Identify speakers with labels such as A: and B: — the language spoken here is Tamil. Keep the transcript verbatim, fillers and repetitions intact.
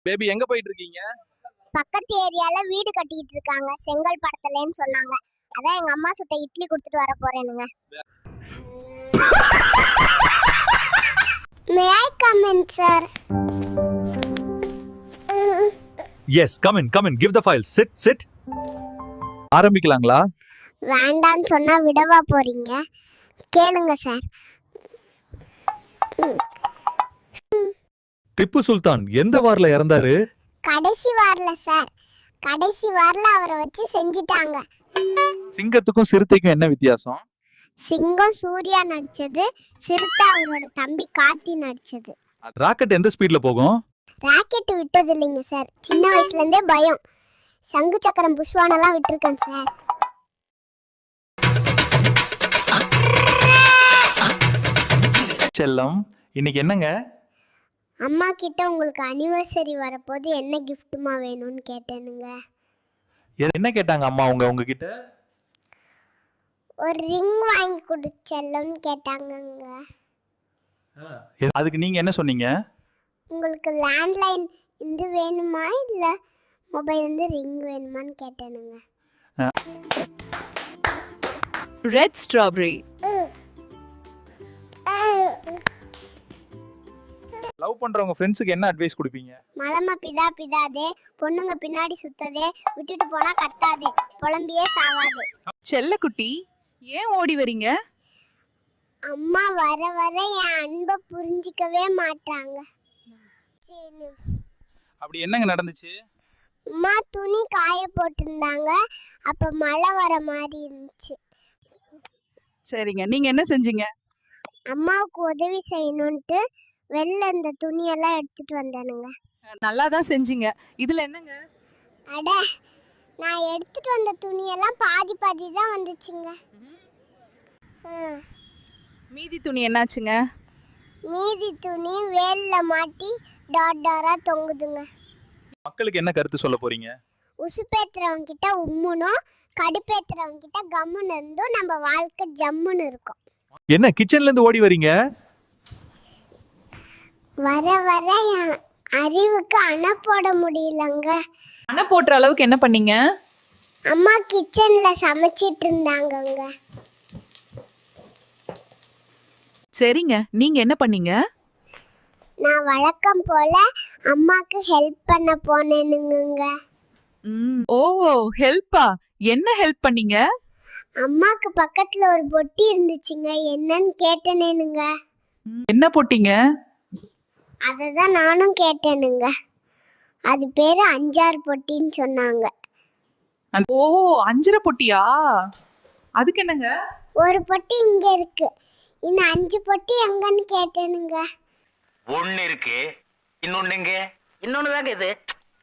A: பேபி எங்க போயிட்டு இருக்கீங்க?
B: பக்கத்து ஏரியால வீடு கட்டிட்டு இருக்காங்க, செங்கல் படத்துலன்னு சொன்னாங்க. அதான் எங்க அம்மா சுட்ட இட்லி கொடுத்துட்டு வர போறேனுங்க. May I come in, sir?
C: Yes, come in, come in. Give the file. Sit, sit.
A: ஆரம்பிக்கலாங்களா?
B: வேண்டான்னு சொன்னா விடவா போறீங்க? கேளுங்க சார்.
C: திப்பு சுல்தான் எந்த வார்ல இறந்தாரு?
B: கடைசி வாரல சார். கடைசி வாரல அவரை வச்சு செஞ்சிட்டாங்க.
A: சிங்கத்துக்கும் சிறுத்தைக்கும் என்ன வித்தியாசம்?
B: சிங்கம் சூர்யா நடிச்சது, சிறுத்தை அவரோட தம்பி கார்த்தி நடிச்சது.
C: ராக்கெட் எந்த ஸ்பீட்ல போகும்?
B: ராக்கெட் விட்டது இல்லைங்க சார், சின்ன வயசுல இருந்தே பயம். சங்கு சக்கரம் புஷ்வானெல்லாம் விட்டுருக்கேன் சார்.
A: செல்லம், இன்னைக்கு என்னங்க?
B: அம்மா கிட்ட உங்களுக்கு அனிவர்சரி வரப்போது என்ன கிஃப்ட்டுமா வேணும்னு கேட்டேனுங்க.
A: என்ன கேட்டாங்க அம்மா உங்க உங்ககிட்ட?
B: ஒரு ரிங் வாங்கி கொடுச்சல்லன்னு கேட்டாங்கங்க.
A: அதுக்கு நீங்க என்ன சொன்னீங்க?
B: உங்களுக்கு லேண்ட்லைன் இது வேணுமா இல்லை மொபைல் வந்து ரிங் வேணுமான்னு கேட்டேனுங்க.
D: Red strawberry.
A: லவ் பண்றவங்க ஃப்ரெண்ட்ஸுக்கு என்ன அட்வைஸ் கொடுப்பீங்க?
B: மலம பிதா பிதாதே, பொண்ணுங்க பின்னாடி சுத்ததே, விட்டுட்டு போனா கத்தாதே, புலம்பியே சாவாதே.
D: செல்லக்குட்டி, ஏன் ஓடி வரீங்க?
B: அம்மா வர வர என் அன்பை புரிஞ்சிக்கவே மாட்டாங்க.
A: அப்படி என்னங்க நடந்துச்சு?
B: அம்மா துணி காய போட்டிருந்தாங்க, அப்ப மழை வர மாதிரி இருந்துச்சு.
D: சரிங்க, நீங்க என்ன செஞ்சீங்க?
B: அம்மாவுக்கு உதவி செய்யணும்ட்டு வெளில இந்த துணியெல்லாம் எடுத்துட்டு வந்தானுங்க.
D: நல்லா தான் செஞ்சீங்க. இதுல என்னங்க?
B: அட, நான் எடுத்துட்டு வந்த துணியெல்லாம் பாதி பாதி தான் வந்துச்சுங்க.
D: மீதி துணி என்னாச்சுங்க?
B: மீதி துணி வேல்ல மாட்டி டாட் டாரா தொங்குதுங்க.
A: மக்களுக்கு என்ன கருத்து சொல்ல போறீங்க?
B: உசுப்பேத்துறவங்க கிட்ட உம்முனும், கடுப்பேத்துறவங்க கிட்ட கம்முன்னு இருந்தும் நம்ம வாழ்க்கை ஜம்முன்னு இருக்கும்.
C: என்ன கிச்சன்ல இருந்து ஓடி வரீங்க?
B: வர வர என் அறிவுக்கு அணை போட முடியலங்க.
D: அணை போடுற அளவுக்கு என்ன பண்ணீங்க?
B: அம்மா கிச்சன்ல சமைச்சிட்டு இருந்தாங்கங்க.
D: சரிங்க, நீங்க என்ன பண்ணீங்க?
B: நான் வழக்கம் போல அம்மாக்கு ஹெல்ப் பண்ண போனேனுங்க.
D: ஓ, ஹெல்ப்பா? என்ன ஹெல்ப் பண்ணீங்க?
B: அம்மாக்கு பக்கத்துல ஒரு பொட்டி இருந்துச்சுங்க, என்னன்னு கேட்டேனுங்க.
D: என்ன போட்டீங்க?
B: அததான் நானும் கேட்டேனுங்க. அது பேரு அஞ்சாறு பொட்டின்னு சொன்னாங்க.
D: ஓ, அஞ்சரை பொட்டியா? அதுக்கு என்னங்க?
B: ஒரு பொட்டி இங்க இருக்கு, இன்னும் அஞ்சு பொட்டி எங்கன்னு கேட்டேனுங்க.
E: ஒன்னு இருக்கு, இன்னொன்னு எங்க? இன்னொன்னு தாங்க இது.